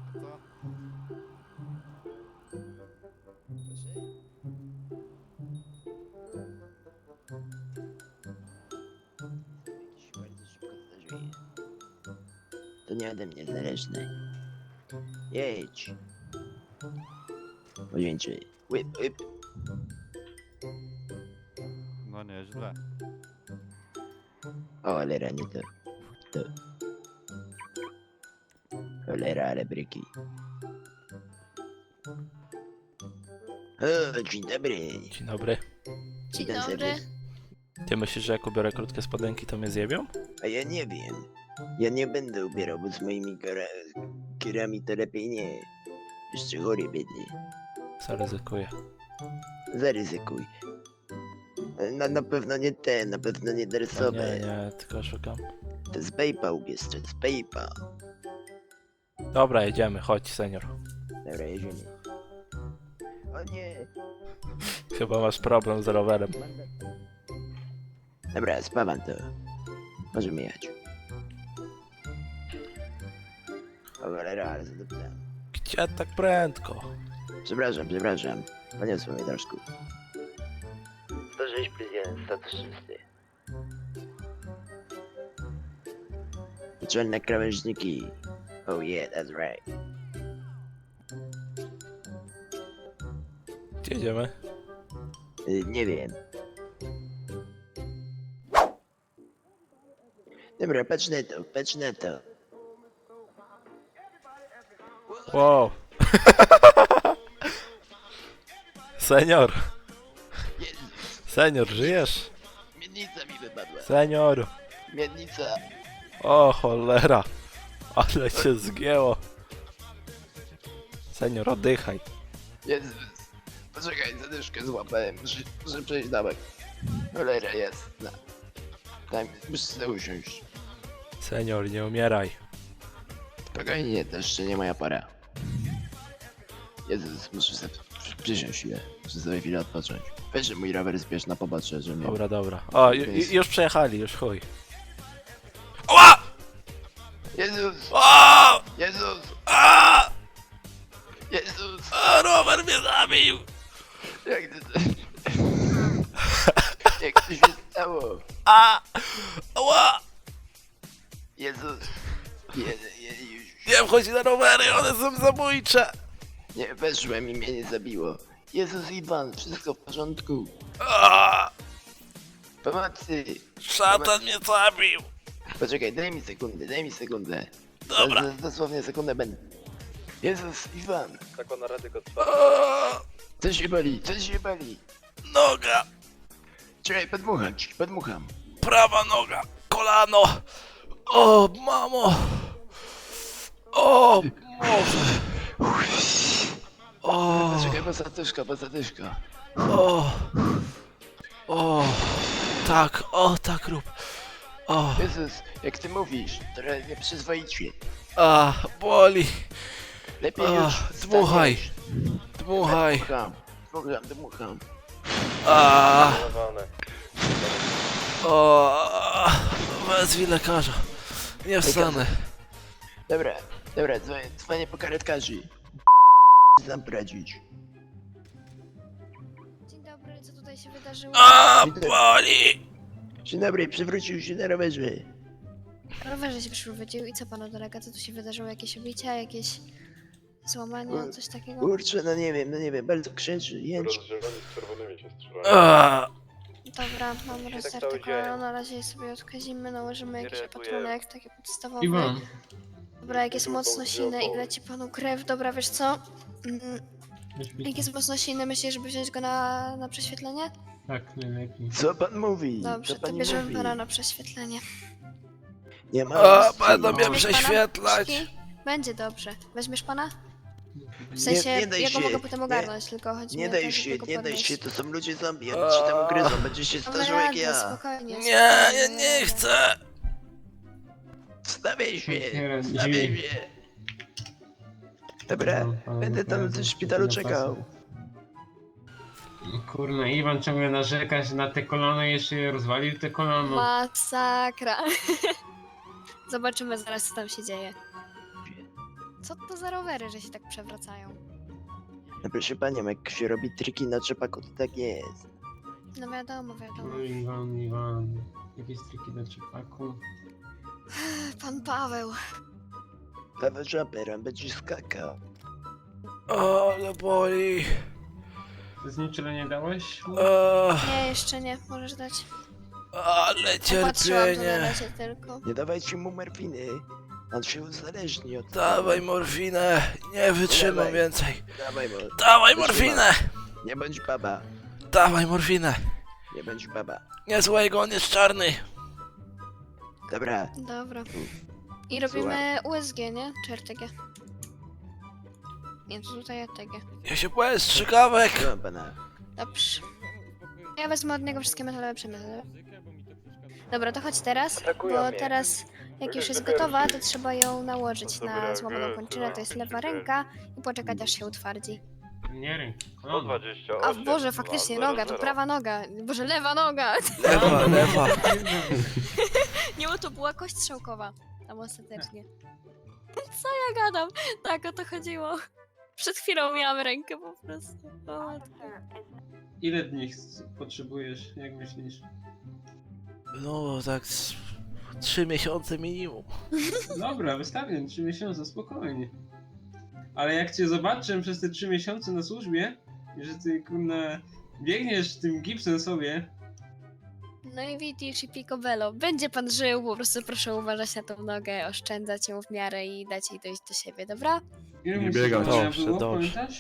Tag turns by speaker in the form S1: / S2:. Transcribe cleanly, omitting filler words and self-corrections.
S1: To nie ode mnie zależne. Jedź. Pojedźcie. Whip, whip.
S2: No nieźle.
S1: O, cholera, nie to. To. Cholera, ale bryki. O, dzień dobry.
S3: Dzień dobry.
S4: Dzień
S1: Witam
S4: dobry.
S1: serdecznie.
S3: Ty myślisz, że jak ubiorę krótkie spodenki, to mnie zjebią?
S1: A ja nie wiem. Ja nie będę ubierał, bo z moimi kierami to lepiej nie. Jeszcze chory biedny.
S3: Zaryzykuję.
S1: Zaryzykuj. Na pewno nie ten, na pewno nie
S3: No
S1: dresowe.
S3: nie, tylko szukam.
S1: To z Bejpa ubierz, to z Bejpa.
S3: Dobra, jedziemy, chodź, senior.
S1: Dobra, jedziemy. O nie.
S3: Chyba masz problem z rowerem.
S1: Dobra, spawam to. Możemy jechać. O cholera, ale zadupcam.
S3: Gdzie tak prędko?
S1: Przepraszam. Poniosło mnie troszkę. 106 plus 1, 106. Czarne krawężniki. Oh yeah, that's right.
S3: Gdzie jedziemy?
S1: Nie wiem. Dobra, patrz na to.
S3: Wow. Senior. Senior, żyjesz?
S1: Miednica mi wypadła.
S3: Senior.
S1: Miednica.
S3: O cholera. Ale cię zgięło. Senior, oddychaj.
S1: Jezus. Poczekaj, zadyszkę złapałem. Muszę przejść dawek. Cholera jest. No. Daj mi, muszę sobie usiąść.
S3: Senior, nie umieraj.
S1: Spokojnie, to jeszcze nie moja pora. Jezus, muszę sobie przysiąść chwilę. Muszę sobie chwilę odpocząć. Weź mój rower zbierz na pobocze, że mnie...
S3: Dobra. O, już przejechali, już chuj. Oła!
S1: Jezus!
S3: O!
S1: Jezus!
S3: A!
S1: Jezus!
S3: A, rower mnie zabił!
S1: Jak to... Jak to się stało?
S3: A! Ała!
S1: Jezus!
S3: Nie wchodź na rowery, one są zabójcze!
S1: Nie, weszłem i mnie nie zabiło. Jezus Iwan, wszystko w porządku.
S3: A!
S1: Pomocy!
S3: Szatan mnie zabił!
S1: Poczekaj, daj mi sekundę.
S3: Dobra.
S1: Dosłownie sekundę będę. Jezus Iwan!
S5: Zakon na radyko trwa.
S3: A!
S1: Coś się bali!
S3: Noga!
S1: Czekaj, podmucham.
S3: Prawa noga! Kolano! O, mamo! O, Boże! O,
S1: Poczekaj, posadyszka.
S3: o, tak rób. O,
S1: Jezus, jak ty mówisz, trochę nieprzyzwoicie.
S3: a, boli.
S1: Lepiej
S3: A,
S1: już
S3: dmuchaj.
S1: wstaniesz.
S3: Dmuchaj.
S1: Dmucham.
S3: A,
S5: Zanowane.
S3: o, wezwij lekarza. Nie wstanę.
S1: Dobra, dzwonię po karetkarzy. Znam poradzić.
S4: Dzień dobry, co tutaj się wydarzyło?
S3: A, boli.
S1: Dzień dobry, przewrócił się na rowerze.
S4: Rowerze się przywrócił i co panu dolega? Co tu się wydarzyło? Jakieś obicia, jakieś złamania, coś takiego?
S1: Kurczę, no nie wiem, bardzo krzyczy, jęczy.
S5: Rozdzieleni z czerwonymi się strzelają.
S3: A,
S4: Dobra, mam
S5: tak
S4: rozdarty
S5: cały dzień.
S4: kolano, na razie je sobie odkazimy, nałożymy
S5: Nie
S4: jakiś
S5: reaguje.
S4: opatrunek, taki podstawowy.
S6: Iwan,
S4: Dobra, jak jest mocno silny i leci panu krew, dobra, wiesz co? Jak jest mocno silny, myślisz, żeby wziąć go na prześwietlenie?
S6: tak, najlepiej.
S1: Co pan mówi?
S4: Dobrze,
S1: Co
S4: to
S1: pani
S4: bierzemy
S1: mówi?
S4: pana na prześwietlenie.
S1: Nie ma
S3: a,
S1: opcji.
S3: będą mnie
S4: Weźmiesz pana?
S3: prześwietlać.
S4: Krzyki? Będzie dobrze. Weźmiesz pana? W
S1: Nie-
S4: sensie,
S1: nie daj
S4: ja go
S1: się,
S4: mogę potem
S1: nie-
S4: ogarnąć, tylko chodzi mi
S1: Nie
S4: o to,
S1: daj
S4: żeby
S1: się,
S4: go
S1: nie daj
S4: podnieść.
S1: się, to są ludzie zombie, oni się tam ugryzą, będzie się
S4: Damy
S1: starzył jak
S4: radę,
S1: ja.
S4: spokojnie.
S3: Nie,
S4: spokojnie,
S3: ja nie chcę.
S1: Wstawiaj się,
S6: Otwieram
S1: wstawiaj
S6: drzwi.
S1: się. Dobra, będę tam w szpitalu czekał.
S6: Kurna, Iwan ciągle narzekać na te kolano i jeszcze je rozwalił te kolano.
S4: Masakra. Zobaczymy zaraz, co tam się dzieje. Co to za rowery, że się tak przewracają?
S1: No proszę panią, jak się robi triki na trzepaku, to tak jest.
S4: No wiadomo, wiadomo.
S6: No Iwan. Jakieś triki na trzepaku.
S4: Pan Paweł.
S1: Paweł Żaber, on będzie skakał.
S3: O, ale boli.
S6: Znieczulenie dałeś?
S4: Nie, jeszcze nie, możesz dać.
S3: Ale
S4: Popatrzyłam tu na
S3: cierpienie.
S4: razie tylko.
S1: Nie dawajcie mu morfiny. On się uzależni od
S3: Dawaj morfinę. Nie wytrzymam
S1: Dawaj.
S3: więcej.
S1: Dawaj mu.
S3: Dawaj
S1: Wytrzymam.
S3: morfinę.
S1: Nie bądź baba.
S3: Dawaj morfinę.
S1: Nie bądź baba.
S3: Nie złego, on jest czarny.
S1: Dobra.
S4: Dobra. I robimy USG, nie? Czy RTG? Nie, to tutaj RTG.
S3: Ja się boję strzykawek.
S1: Proszę pana.
S4: Dobrze. Ja wezmę od niego wszystkie metalowe przemysły. Dobra, to chodź teraz, bo teraz jak już jest gotowa, to trzeba ją nałożyć na złamaną kończynę, to jest lewa ręka i poczekać aż się utwardzi.
S6: Nie ręka.
S5: 120.
S4: A Boże, faktycznie noga, to prawa noga. Boże, lewa noga.
S3: Lewa.
S4: Nie, bo to była kość strzałkowa. Tam ostatecznie. Co ja gadam? Tak, o to chodziło. Przed chwilą miałam rękę po prostu. O matko.
S6: Ile dni potrzebujesz, jak myślisz?
S3: No tak 3 miesiące minimum.
S6: Dobra, wystawię 3 miesiące, spokojnie. Ale jak cię zobaczę przez te 3 miesiące na służbie, że ty kurna biegniesz tym gipsem sobie,
S4: No i widzisz, i picobello. Będzie pan żył, po prostu proszę uważać na tą nogę, oszczędzać ją w miarę i dać jej dojść do siebie, dobra?
S6: ile
S2: Nie
S6: myślisz,
S2: biegać.
S6: że moja
S3: Dobrze,
S6: było,
S3: dobrze.
S6: pamiętasz?